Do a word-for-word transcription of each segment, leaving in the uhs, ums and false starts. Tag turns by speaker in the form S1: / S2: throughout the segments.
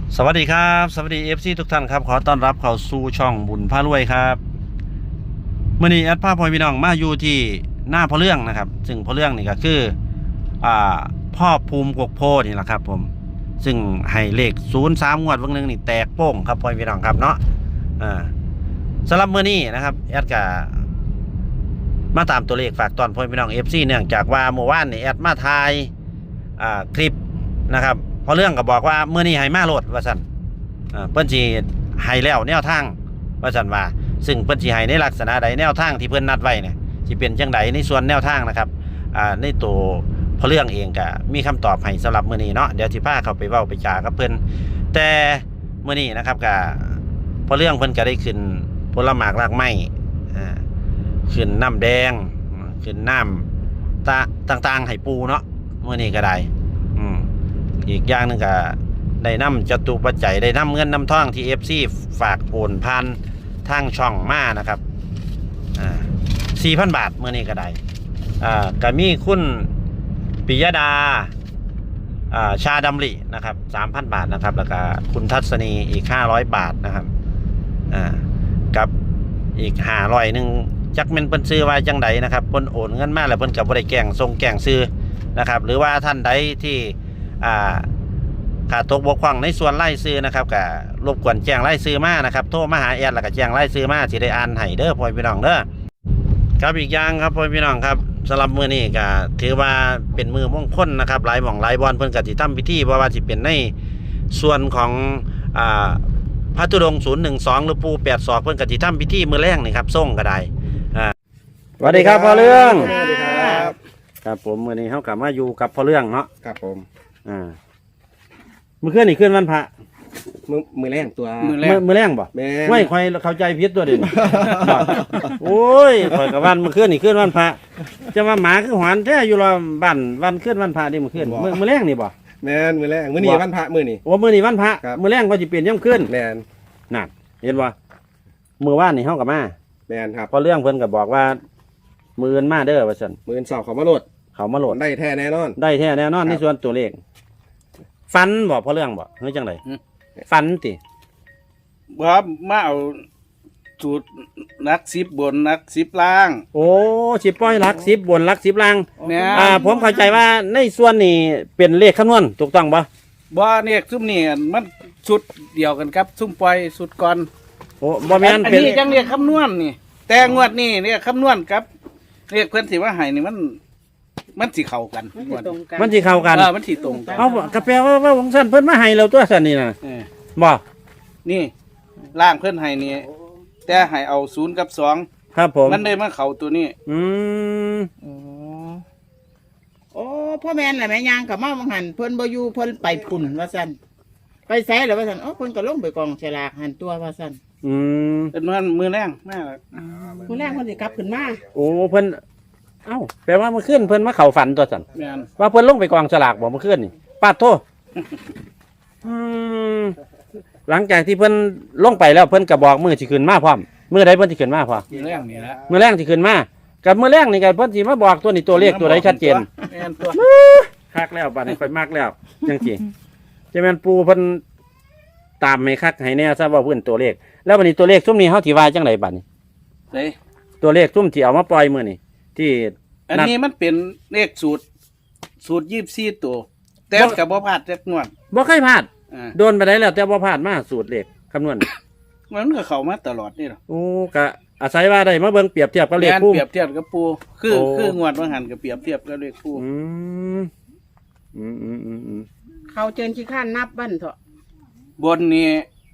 S1: สวัสดีครับสวัสดี เอฟ ซี ทุกท่านครับขอต้อนรับเข้าสู่ช่องบุญพารวยครับเมื่อนี้แอดภาพพ่อพี่น้องมาอยู่ที่หน้าพ่อเรื่องนะครับซึ่งพ่อเรื่องนี่ก็คืออ่าพ่อภูมิกกโพนี่แหละครับผมซึ่งให้เลขศูนย์สามงวดวันหนึ่งนี่แตกโป้งครับพ่อพี่น้องครับเนาะอ่าสำหรับเมื่อนี้นะครับแอดก็มาตามตัวเลขฝากตอนพ่อพี่น้อง เอฟ ซี เนื่องจากว่าเมื่อวานนี่แอดมาถ่ายอ่าคลิปนะครับพอเรื่องก็บอกว่าเมื่อนี้ให้มาโหลดว่าสั่นเพิ่นสิให้แล้วแนวทางว่าสั่นว่าซึ่งเพิ่นสิให้ในลักษณะใดแนวทางที่เพิ่นนัดไว้เนี่ยสิเป็นจังไดในส่วนแนวทางนะครับอ่าในตัวพอเรื่องเองก็มีคำตอบให้สำหรับมื้อนี้เนาะเดี๋ยวสิพาเข้าไปเว้าไปจากับเพิ่นแต่มื้อนี้นะครับก็พอเรื่องเพิ่นก็ได้ขึ้นผลหมากรากไม้อ่าขึ้นน้ำแดงขึ้นน้ำตาต่างๆให้ปูเนาะมื้อนี้ก็ได้อืมอีกอย่างนึงก็ได้นำจตุปัจจัยได้นำเงินนำทองที่ เอฟ ซี ฝากโอนผ่านทางช่องมานะครับอ่า สี่พัน บาทเมื่อนี้ก็ได้อ่าก็มีคุณปิยดาอ่าชาดำรินะครับ สามพัน บาทนะครับแล้วก็คุณทัศนีอีกห้าร้อยบาทนะครับอ่ากับอีกห้าร้อยนึงจักแม่นเพิ่นซื้อไว้จังไดนะครับเพิ่นโอนเงินมาแล้วเพิ่นก็บ่ได้แกล้งส่งแกล้งซื้อนะครับหรือว่าท่านใดที่อ่าขาดตกบกพร่องในส่วนไล่ซื้อนะครับก็รบกวนแจ้งไล่ซื้อมานะครับโทรมาหาแอดแล้วก็แจ้งไล่ซื้อมาสิได้อ่านให้เด้อพ่อพี่น้องเด้อครับอีกอย่างครับพ่อพี่น้องครับสำหรับมื้อนี้ก็ถือว่าเป็นมือมงคลนะครับหลายหม่องหลายบอนเพิ่นก็สิทำพิธีบ่ว่าสิเป็นในส่วนของอ่าพระธุดงค์ศูนย์หนึ่งสองหรือปู่แปดศอกเพิ่นก็สิทำพิธีมื้อแรกนี่ครับส่งก็ได้อ่าสวัสดีครับพ่อเรื่อง
S2: สวัสดีครับ
S1: ครับผมมื้อนี้เฮาก็มาอยู่กับพ่อเรื่องเนาะ
S2: ครับผม
S1: อ่ามื้อคืนนี่คืนวันพระ
S2: มือมือแรงตัว
S3: มือแร
S1: มื้อก มื้อแรงบ่
S2: แม่
S1: ไม่ค่อยเข้าใจผิดตัวเด่น โอ้ยข่อยกับวันมื้อคืนนี่คืนวันพระจะว่าหมาคือหอนแท้อยู่รอบ้านวันคืนวันพระนี่มื้อคืนมื้อมื้อแรงนี่บ่
S2: แมนมือแรงมือนี่วันพระมือนี่
S1: โอ้มื้อนี้วันพระ
S2: ครับ
S1: มื้อแรงก็สิเปลี่ยนยามคืน
S2: แมน
S1: นั่นเห็นบ่มื้อวานนี่เฮาก็มา
S2: แมนครับ
S1: พอเรื่องเพิ่นก็บอกว่ามื้ออื่นมาเด้อว่าซั่น
S2: มือสอบเขามาโหลด
S1: เขามาโหลด
S2: ได้แท้แน่นอน
S1: ได้แท้แน่นอน
S2: ครับ
S1: ในส่วนตัวเลขฟันบ่พอเรื่องบ่เฮ้ยจังไดฟันติ
S3: ครับมาเอาสูตรนักสิบบนนักสิบล่าง
S1: โอ้สิปล่อยหลักสิบบนหลักสิบล่าง
S3: เนี่ย
S1: อ่าผมเข้าใจว่าในส่วนนี้เป็นเลขคำนวณถูกต้องปะ
S3: บ่เนี่ยซุ่มนี่มันชุดเดียวกันครับซุ่มปล่อยสุดก่อน
S1: โอ้บ่แม่น
S3: อัน
S1: เป็น
S3: นี้จังเรียกคำนวณนี่ แต่งวดนี่เรียกคำนวณครับเรียกเพื่อนสิว่าให้นี่มัน มันสิเข้ากันงวด
S1: มันสิเข้ากัน
S3: เออมันสิตรงกัน
S1: เอากระแปลว่าว่าของสั้นเพิ่นมาให้เราตัวสั้นนี่นะ
S3: เออ
S1: บ่
S3: นี่ล่างเพื่อนให้นี่แต่ให้เอาศูนย์กับสอง
S1: ครับผม
S3: มันได้มาเข้าตัวนี้
S1: อืม
S4: โอ้โอ้พ่อแม่นแหละแม่ยางกับมาบังหันเพิ่นบ่อยู่เพิ่นไปพุ่นว่าซั่นไปไสแล้วว่าซั่นอ๋อเพิ่นก็ลงไปกองฉลากหันตัวว่าซั่น
S1: อืม
S3: เป็นมันมือแรงมาก
S4: ผู้แรกเพิ่นสิกลับขึ้นมา
S1: โอ้เพิ่นเอ้าแปลว่าเมื่อคืนเพิ่นมาเข้าฝันตัวสั้น
S3: แม่น
S1: ว่าเพิ่นลงไปกองสลากบ่เมื่อคืนนี่ปาดโทษอืมหลังจากที่เพิ่นลงไปแล้วเพิ่นก็บอกมื้อสิขึ้นมาพร้อมมื้อใดเพิ่นสิขึ้นมาพร้อม
S3: มือแรงนี่ละ
S1: มื้อแรงสิขึ้นมากับมื้อแรงนี่ก็เพิ่นสิมาบอกตัวนี้ตัวเลขตัวใดชัดเจน
S3: แม่นตัว
S1: คักแล้วบัดนี้ค่อยมักแล้วจังซี่จะแม่นปูเพิ่นตามให้คักให้แน่ซะว่าเพิ่นตัวเลขแล้วบัดนี้ตัวเลขซุ่มนี้เฮาสิว่าจังไดบัดนี้
S3: เฮ้ย
S1: ตัวเลขซุ่มที่เอามาปล่อยมื้อนี้ที่
S3: อันนี้มันเป็นเลขสูตร สูตรยี่สิบสี่ตัว แต่กับบ่พลาดจักงวด
S1: บ่เคยพลาด
S3: อ่า
S1: โดนไปได้แล้วแต่บ่พลาดมาสูตรเลขคำนวณ
S3: มันก็เข้ามาตลอดนี่หรอ
S1: โอ้ก็อาศัยว่าได้มาเบิ่งเปรียบเทียบกับเลข
S3: แม่น
S1: พุ่ม
S3: เปรียบเทียบกับปู คือ
S1: โอ้
S3: คืองวดว่าหันกับเปรียบเทียบกับเลขปู
S1: อืมอืมอืมอืมอืม
S4: เขาเจิญขี้ข้านนับบั้นเถอะ
S3: บนนี้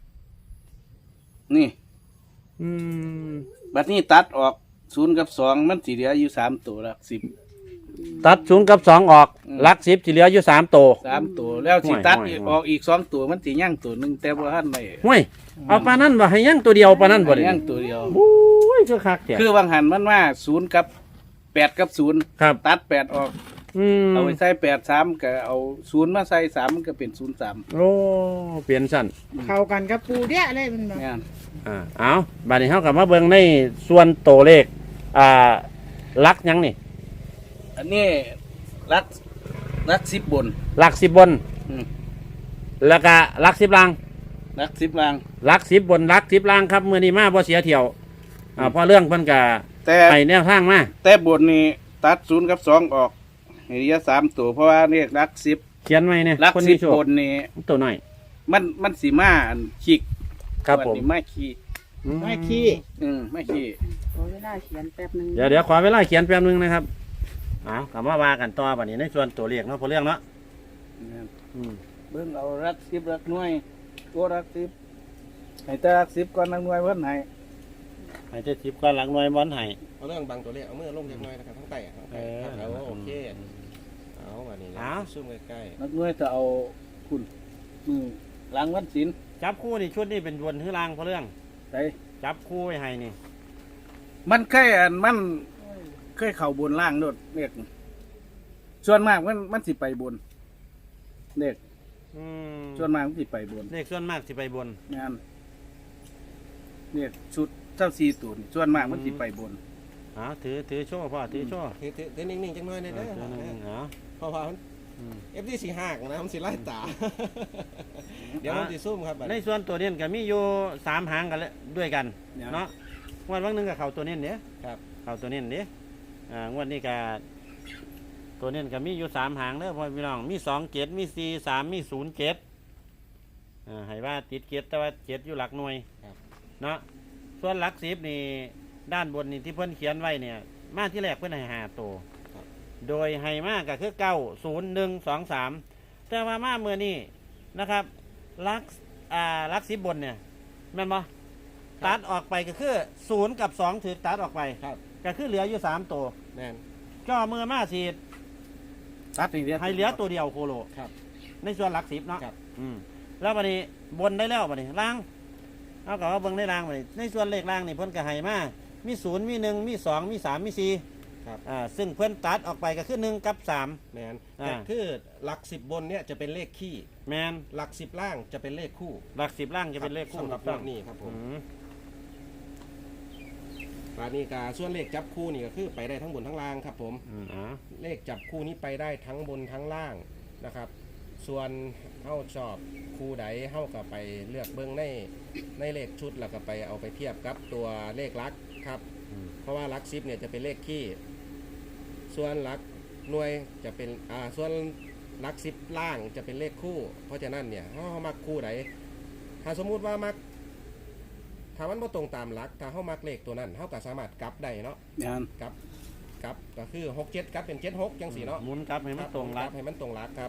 S3: นี่
S1: อืม
S3: บัดนี้ตัดออกศูนย์กับสองมันสีเหลืออยู่สามตัวละสิบ
S1: ตัดศูนย์กับสองออก
S3: อืม
S1: หลักสิบสิเหลืออยู่สามตัว
S3: สามตัว แล้วสิตัด
S1: ห่วย
S3: อีก
S1: ห่วย
S3: ออกอีกสองตัวมันสีย่างตัวหนึ่งแต่ว่าหันไม่
S1: ห้วยเอาปานนั้นบ่ให้ยังตัวเดียวปานนั้นบ่ได้
S3: ย่างตัวเดียว
S1: โอ้ยคือคักแท้
S3: คือบางหันมันว่าศูนย์กับแปดกับศูนย์
S1: ครับ
S3: ตัดแปดออก
S1: อืม
S3: เอาไปใส่แปดสามก็เอาศูนย์มาใส่สามมันก็เป็นศูนย์สาม
S1: โอ้เปลี่ยนสั้น
S4: เข้ากันกับปูเด้เลยมันบ่
S3: เนี่ย
S1: อ่าเอาบัดนี้เฮากลับมาเบิ่งในส่วนตัวเลขอ่าหลักหยังนี่
S3: อันนี้รักรักสิบบน
S1: หลักสิบบน
S3: อืม
S1: แล้วก็ลักสิบลาง
S3: รักสิบลาง
S1: ลักสิบบนลักสิบลางครับมื้อนี้มาบ่เสียเที่ยวอ่าเพราะเรื่องเพิ่นก็
S3: แต่
S1: ให้แนวทางมา
S3: แต่บนนี้ตัดศูนย์กับสองออกให้เหลือสามตัวเพราะว่าเรียกรักสิบ
S1: เขียนไว้เนี่ย
S3: รัก
S1: คน
S3: สิ
S1: มี
S3: บ
S1: โชค
S3: บนนี้
S1: ตัวน้อย
S3: มันมันสีมาอันขีก
S1: ครับผม
S3: วันนี้มาขีก
S4: ไม่ขี้
S3: อืมไม่ขีก
S5: ขอเวลาเขียนแป๊บหนึง
S1: เดี๋ยวเดี๋ยวขอเวลาเขียนแป๊บนึงนะครับเอากลับมาว่ากันต่อบัดนี้ในส่วนตัวเลขเนาะเพราะเรื่องเนาะอืม
S3: เบิ่งเอารักสิบรักหน่วยตัวรักสิบให้แต่รักสิบก่อนรักหน่วยเพิ่นให้
S1: ให้เจ็ดสิบก่อนหลังหน่วยบอลให้
S2: เอาเรื่องบางตัวเลขเอามือลงเล็กน้อยนะครับทั้งไตทั้งไต
S1: เออ
S2: ครับเอาโอเคเอามานี่นะ
S1: เอา
S2: ซูมใกล้
S3: รักหน่วยจะเอาคุณมือล้างวันศีล
S1: จับคู่นี่ชุดนี้เป็นบนหรือลางเพราะเรื่อง
S3: ไป
S1: จับคู่ไว้ให้นี่
S3: มันเคยอันมันเคยเข่าบนล่างโดดเรียกส่วนมากมันมันสิไปบนเด็ก
S1: อืม
S3: ส่วนมากมันสิไปบน
S1: เลขส่วนมากสิไปบน
S3: งานเนี่ยชุดเจ้าซีตุนส่วนมากมันสิไปบน
S1: เอาถือถือโชว์พ่อถือโชว์
S2: ๆถือถือถือนิ่งๆจังน้อยหนะ
S1: เอ
S2: เด้
S1: อถือหนึ่ง
S2: อ
S1: เอา
S2: เพราะว่ามัน
S1: อืม
S2: เอฟดีสีหักนะมันสิไล่ตา เดี๋ยวมันสิซุ่มครับบัด
S1: ใน
S2: นี้
S1: ส่วนตัวเน้นก็มีอยู่สามหางกันแล้วด้วยกัน
S3: เนี่ย
S1: เนาะงวันวันหนึงกับเขาตัวเน้นเนี่ย
S2: ครับ
S1: เขาตัวเน้นเนี่ยอ่างวดนี้ก็ตัวเน้นก็มีอยู่สามหางเด้อพ่อพี่น้องมีสองเจ็ดมีสี่สามมีศูนย์เจ็ดอ่าให้ว่าติดเจ็ดแต่ว่าเจ็ดอยู่หลักหน่วยเนาะส่วนหลักสิบนี่ด้านบนนี่ที่เพิ่นเขียนไว้เนี่ย มาที่แรกเพิ่นให้หาตัว โดยให้มากก็คือเก้าศูนย์หนึ่งสองสามแต่ว่ามาเมื่อนี้นะครับลักอ่าลักสิบบนเนี่ยแม่นบ่ตัดออกไปก็คือศูนย์กับสองถือตัดออกไป
S2: ครับ
S1: ก็คือเหลืออยู่สามตัว
S2: แน่น
S1: ก็เมื่อมาสี
S3: ตัดนี่เดียว
S1: ให้เหลือตัวเดียวโคโล
S2: ครับ
S1: ในส่วนหลักสิบเนาะ
S2: ครับ
S1: อืมแล้วบัดนี้บนได้แล้วบัดนี้ล่างเอากับว่าเบิ่งได้ล่างบัดนี้ในส่วนเลขล่างนี่เพิ่นก็ให้มามีศูนย์มีหนึ่งมีสองมีสามมีสี่
S2: ครับ
S1: อ่าซึ่งเพิ่นตัดออกไปก็คือหนึ่งกับสาม
S2: แมน
S1: อ่า
S2: แต่คือหลักสิบบนเนี่ยจะเป็นเลขขี้
S1: แมน
S2: หลักสิบล่างจะเป็นเลขคู่
S1: หลักสิบล่างจะเป็นเลขคู่
S2: สำหรับ
S1: ถูกต้อง
S2: พวกนี้ครับผม
S1: อืม
S2: ปานี้กาส่วนเลขจับคู่นี่ก็คือไปได้ทั้งบนทั้งล่างครับผม
S1: อืมอ่า
S2: เลขจับคู่นี้ไปได้ทั้งบนทั้งล่างนะครับ ส่วนเฮ้าชอบคู่ใดเฮ้าก็ไปเลือกเบิ้งในในเลขชุดแล้วก็ไปเอาไปเทียบกับตัวเลขลักครับ
S1: อืม
S2: เพราะว่าลักซิปเนี่ยจะเป็นเลขขี้ส่วนลักหน่วยจะเป็นอ่าส่วนลักซิปล่างจะเป็นเลขคู่ เพราะฉะนั้นเนี่ยเฮาเฮามักคู่ใดถ้าสมมุติว่ามักถ้ามันบ่ตรงตามหลักถ้าเฮามักเลขตัวนั้นเฮาก็สามารถกลับได้เนาะ
S3: งาน
S2: กลับกลับก็คือหกเจ็ดกลับเป็นเจ็ดหกจังสี่เนาะ
S1: หมุนกลับให้มันตรง
S2: ค
S1: รั
S2: รั
S1: บบ
S2: ให้มันตรงหลักครับ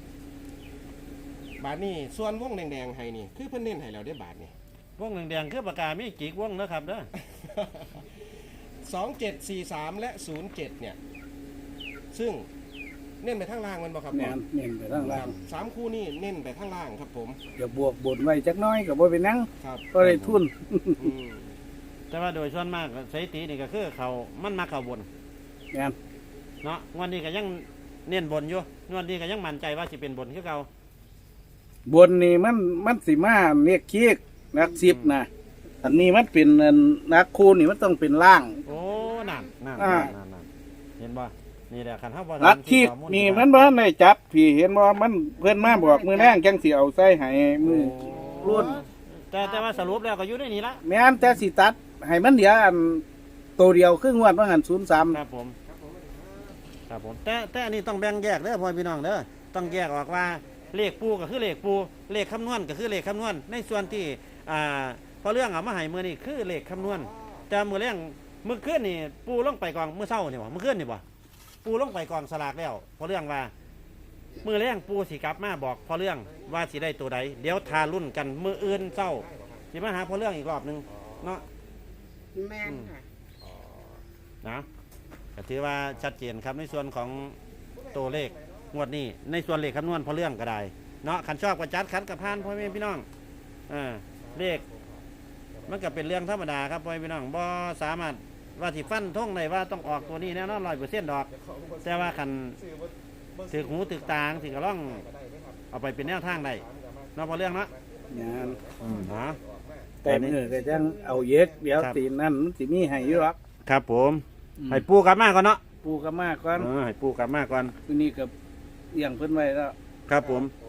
S2: บาทนี่ส่วนวงแดงๆให้นี่คือเพิ่นเน้นให้แล้วได้อบาทนี่
S1: วงแดงๆคือปากกาไม่จิกวงนะครับเด้อ
S2: สองเจ็ดสี่สามและศูนย์เจ็ดเนี่ย ซึ่งเน้นไปทางล่างมันบ่ครับ
S3: งานเน้นไปทางล่าง
S2: สามคู่นี่เน้นไปทางล่างครับผม
S3: เดี๋ยวบวกบนไว้จักหน้อยก็บ่เป็นหยัง
S2: ครับ
S3: ก็ได้ทุน
S2: อืม
S1: แต่ว่าโดยส่วนมากสถิตินี่ก็คือเขามันมาเข้าบน
S3: งาน
S1: เนาะงวันนี้ก็ยังเน้นบนอยู่งวันนี้ก็ยังมั่นใจว่าสิเป็นบนคือเก่า
S3: บนนี่มันมันสิมาเรียกคีกนักสิบนะอันนี้มันเป็นอันนักคูนี่มันต้องเป็นล่าง
S1: โอ้นั่นนั่น
S3: อ่า
S1: นั่นนั่นเห็นบ่นี่แหละคันเฮาบ่
S3: นักคีก
S1: ข้อมูล
S3: นี่
S1: ที่
S3: มันบ่ทันได้จับพี่เห็นบ่มันเพิ่นมาบอกมือแรงจังสิเอาใส่ให้มือ รุ่น
S1: แต่แต่ว่าสรุปแล้วก็อยู่ในนี้ละ
S3: แม่นแต่สิตัดให้มันเดียวอันตัวเดียวครึ่งงวดว่าหันศูนย์สาม
S1: ครับผมครับผมแต่แต่อันนี้ต้องแบ่งแยกเด้อพ่อพี่น้องเด้อต้องแยกออกว่าเลขปูก็คือเลขปูเลขคำนวณก็คือเลขคำนวณในส่วนที่อ่าพอเรื่องเอามาให้มือนี่คือเลขคำนวณแต่มือเรื่องมือขึ้นนี่ปูลงไปกองมือเศร้านี่บ่มือขึ้นนี่บ่ปูลงไปกองสลากแล้วพอเรื่องว่ามือเรื่องปูสิกลับมาบอกพอเรื่องว่าสิได้ตัวใดเดี๋ยวทารุ่นกันมืออื่นเศร้าสิมาหาพอเรื่องอีกรอบหนึงเนาะ
S5: แม่นค่ะ
S1: นะก็ถือว่าชัดเจนครับในส่วนของตัวเลขงวดนี้ในส่วนเลขคำนวณพอเรื่องก็ได้เนาะขันชอบกระจัดขันกับพานพ่อแม่พี่น้องอ่าเลขมันก็เป็นเรื่องธรรมดาครับพ่อแม่พี่น้องบ่สามารถว่าที่ฟันท่งได้ว่าต้องออกตัวนี้แน่นอนร้อยเปอร์เซ็นต์ดอก แต่ว่าขันถือหูถือตางถือกระล่องเอาไปเป็นแนวทางได้เนาะพอเรื่องเนาะ
S3: งาน
S1: ฮะ
S3: แต่มือก็จังเอาเย็กเดี๋ยว
S1: ครับ
S3: ตีนนั่นมันสิมีให้อยู่หรอก
S1: ครับผมให้ปูกลับมาก่อนเนาะ
S3: ปูก็มากก่อน
S1: เออให้ปูกลับมาก่อน
S3: ทีนี้ก็เลี้ยงเพิ่นไว้แล้ว
S1: ครับผม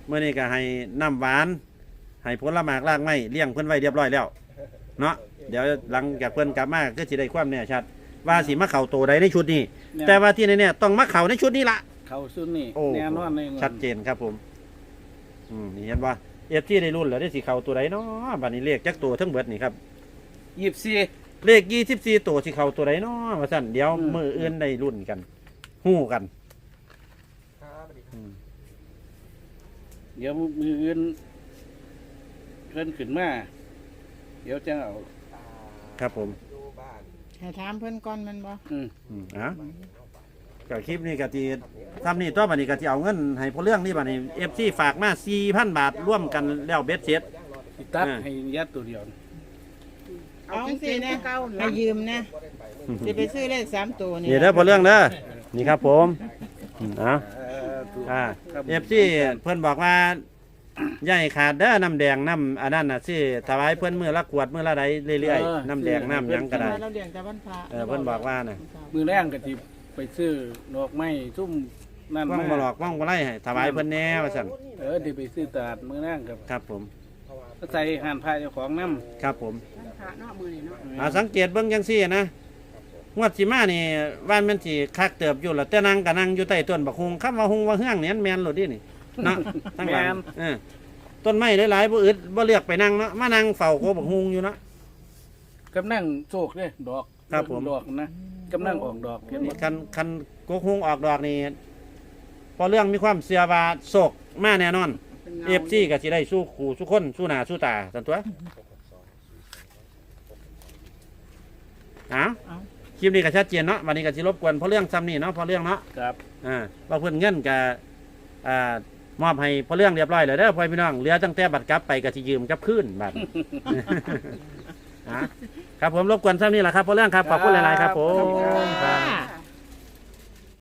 S1: เมื่อนี้ก็ให้น้ำหวานให้ผลหมากรากไม้เลี้ยงเพิ่นไว้เรียบร้อยแล้วเนาะเดี๋ยวหลังจากเพิ่นกลับมาก็สิได้ความแน่ชัดว่าสิมาเข้าตัวใดในชุดนี้ แต่ว่าที่นี่เนี่ยต้องมาเข้าในชุดนี้ละ
S3: เขาซุนนี่
S1: โอ้
S3: แน่นอนเลย
S1: ชัดเจนครับผมอืมนี่เห็นว่าเอฟซีได้รุ่นแล้วได้สิเข้าตัวใดเนาะบัดนี้เลขจักตัวทั้งเบิดนี่ครับ
S3: ยี่สิบสี่
S1: เลขยี่สิบสี่ตัวสิเข้าตัวใดเนาะว่าซั่นเดี๋ยว
S3: อืม
S1: มืออื่นได้รุ่นกันฮู้กันอืม
S3: เดี๋ยวมืออื่นเพิ่นขึ้นมาเดี๋ยวจะเอา
S1: ครับผม
S4: ให้ถามเพิ่นก่อนแมันบ่
S3: อืม
S1: อืมอ่ะก็คลิปนี้ก็สิทำนี่ตัวบัดนี้ก็สิเอาเงินให้พอเรื่องนี่บัดนี้ เอฟ ซี ฝากมา สี่พัน บาทร่วมกันแล้วเบ็ดเสร็จ
S3: สิตัด
S1: อ่า
S3: ให้ยัดตัวเดียว
S4: เอาจังซี่นะให้ยืมนะสิไปซื้อเลขสามตัวนี่
S1: นี่เด้อพอเรื่องเด้อนี่ครับผมอืมเอ่ะ
S3: เอ่อถูก
S1: อ่า
S3: ครับ
S1: เอฟซีเพื่อนบอกว่าอย่าให้ขาดเด้อน้ำแดงน้ำอันนั้นน่ะสิถวายเพื่อนมือละขวดมือละใดเรื่อยๆน้ำแดงน้ำหยังก็ได้
S4: เราเลี้ยงแต่วันพระ
S1: เออเพิ่นบอกว่าน่ะ
S3: มือแรงก็สิไปซื้อดอกไม้ซุ่มนั่น
S1: ว่าง
S3: มา
S1: บ่หลอกว่างบ่ไล่ให้ถวายเพิ่นแน่ว่าซั่น
S3: เออที่ไปซื้อตลาดมือแรงกับ
S1: ครับผม
S3: ใส่หานพายเจ้าของน้ำ
S1: ครับผม
S5: พระเนาะมือนี่เนาะ
S1: อ่าสังเกตเบิ่งจังซี่นะงวดสิมานี่ว่านมันสิคักเติบอยู่แล้วแต่นั่งก็นั่งอยู่ใต้ต้นบักฮุงคำว่าฮุงว่าเฮืองนี่มันแม่นโลดดินี่เนาะทั้งหลายเออต้นไม้หลายๆบ่อึดบ่เลือกไปนั่งเนาะมานั่งเฝ้าโกบักฮุงอยู่เนาะ
S3: กำลังโศกเลยดอก
S1: ครับผม
S3: ดอกนะกำลังออกดอกเห็นบ่
S1: คันคันโกกฮุงออกดอกนี่พอเรื่องมีความเชื่อว่าโศกมาแน่นอน
S5: เป็นเงา
S1: เอฟซีก็สิได้สู้ขู่สู้คนสู้หน้าสู้ตาสันตัวเอาคลิปนี้ก็ชัดเจนเนาะวันนี้ก็สิรบกวนเพราะเรื่องซ้ำนี่เนาะเพราะเรื่องเนาะ
S3: ครับ
S1: อ่าว่าเพิ่นเงินก็อ่ามอบให้เพราะเรื่องเรียบร้อยเลยเด้อพ่อพี่น้องเหลือตั้งแต่บัตรกลับไปก็สิยืมกลับคืนบัตร อ่ะครับผมรบกวนซ้ำนี่แหละครับเพราะเรื่องครับขอบคุณหลายๆครับผม
S3: ขอบคุณครับ
S1: ครับ
S4: ค่ะ